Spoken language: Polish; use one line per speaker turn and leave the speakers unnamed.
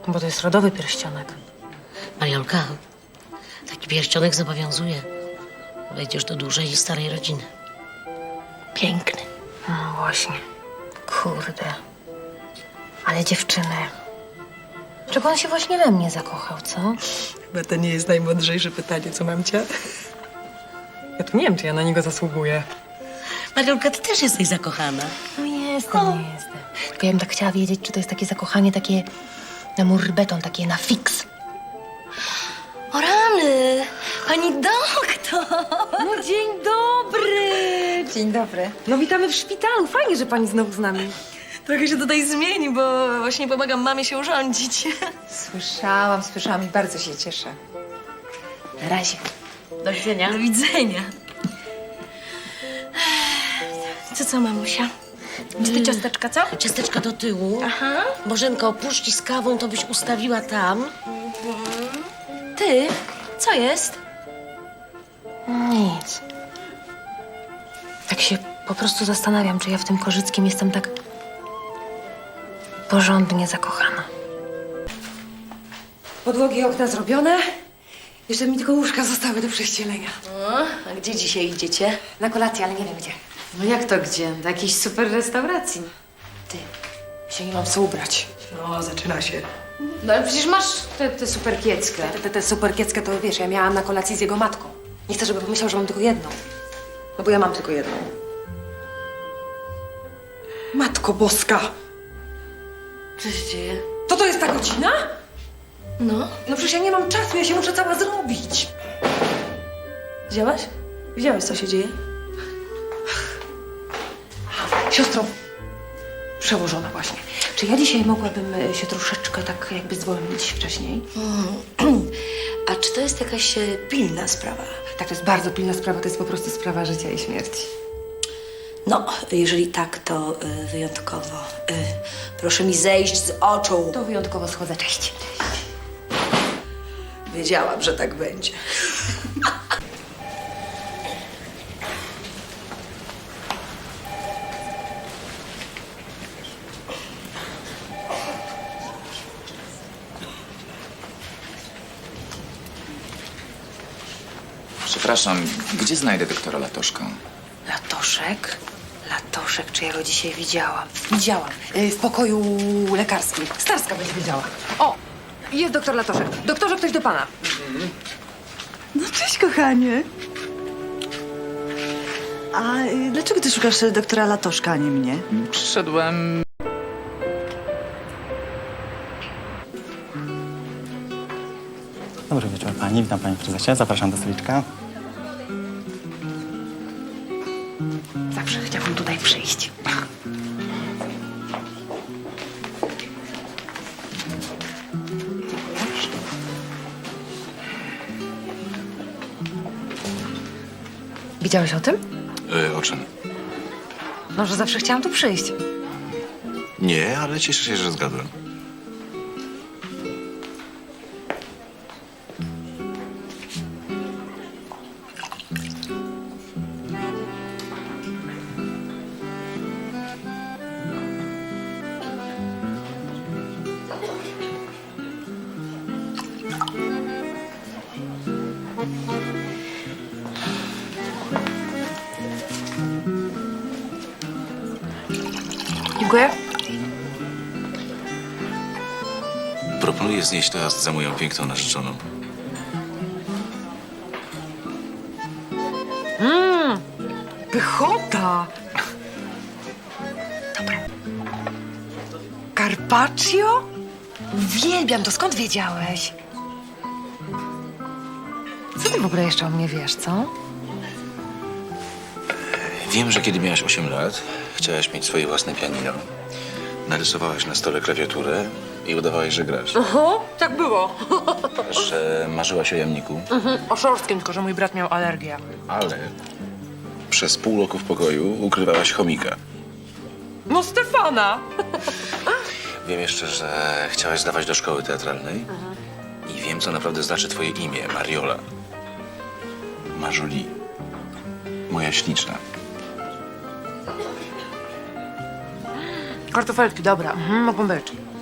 Bo to jest rodowy pierścionek.
Mariolka, taki pierścionek zobowiązuje. Wejdziesz do dużej i starej rodziny. Piękny.
No właśnie. Kurde. Ale dziewczyny. Czego on się właśnie we mnie zakochał, co?
Chyba to nie jest najmądrzejsze pytanie, co mam cię? Ja tu nie wiem, czy ja na niego zasługuję.
Mariolka, ty też jesteś zakochana.
No jestem. Tylko ja bym tak chciała wiedzieć, czy to jest takie zakochanie takie na murbeton, takie na fix.
O rany! Pani doktor!
No dzień dobry!
Dzień dobry.
No witamy w szpitalu. Fajnie, że pani znowu z nami.
Trochę się tutaj zmieni, bo właśnie pomagam mamie się urządzić.
Słyszałam i bardzo się cieszę.
Na razie.
Do widzenia.
Do widzenia.
Co, mamusia? Czy ty ciasteczka, co?
Ciasteczka do tyłu.
Aha.
Bożenko, puszki z kawą to byś ustawiła tam.
Ty? Co jest? Nic. Tak się po prostu zastanawiam, czy ja w tym Korzyckim jestem tak porządnie zakochana.
Podłogi i okna zrobione. Jeszcze mi tylko łóżka zostały do prześcielenia.
A gdzie dzisiaj idziecie?
Na kolację, ale nie wiem gdzie.
No jak to gdzie? Do jakiejś super restauracji.
Ty, się nie mam co ubrać.
No, zaczyna się.
No ale przecież masz tę super kieckę.
Tę super kieckę to wiesz, ja miałam na kolacji z jego matką. Nie chcę, żeby pomyślał, że mam tylko jedną. No bo ja mam tylko jedną. Matko Boska!
Co się dzieje?
To jest ta godzina?
No.
No przecież ja nie mam czasu, ja się muszę cała zrobić.
Widziałaś? Widziałaś, co się dzieje?
Siostro, przełożona właśnie. Czy ja dzisiaj mogłabym się troszeczkę tak jakby zwolnić wcześniej?
A czy to jest jakaś pilna sprawa?
Tak, to jest bardzo pilna sprawa, to jest po prostu sprawa życia i śmierci.
No, jeżeli tak, to wyjątkowo. Proszę mi zejść z oczu.
To wyjątkowo schodzę, cześć.
Wiedziałam, że tak będzie.
Przepraszam, gdzie znajdę doktora Latoszka?
Latoszek, czy ja go dzisiaj widziałam? Widziałam. W pokoju lekarskim. Starska będzie wiedziała. O, jest doktor Latoszek. Doktorze, ktoś do pana.
No cześć, kochanie. A dlaczego ty szukasz doktora Latoszka, a nie mnie?
Przyszedłem...
Dobry wieczór pani, witam panie prezesie, zapraszam do stoliczka.
Zawsze chciałam tutaj przyjść. Widziałeś o tym?
O czym?
No, że zawsze chciałam tu przyjść.
Nie, ale cieszę się, że zgadłem.
Dziękuję.
Proponuję znieść toast za moją piękną narzeczoną.
Pychota! Dobra. Carpaccio? Uwielbiam to. Skąd wiedziałeś? Co ty w ogóle jeszcze o mnie wiesz, co?
Wiem, że kiedy miałaś 8 lat, chciałaś mieć swoje własne pianino. Narysowałaś na stole klawiaturę i udawałaś, że grasz.
Oho, tak było.
Że marzyłaś o jamniku,
O szorskim, tylko że mój brat miał alergię.
ale przez pół roku w pokoju ukrywałaś chomika.
No Stefana!
Wiem jeszcze, że chciałaś zdawać do szkoły teatralnej. I wiem, co naprawdę znaczy twoje imię, Mariola. Marzuli. Moja śliczna.
Kartofelki, dobra. Mogą być.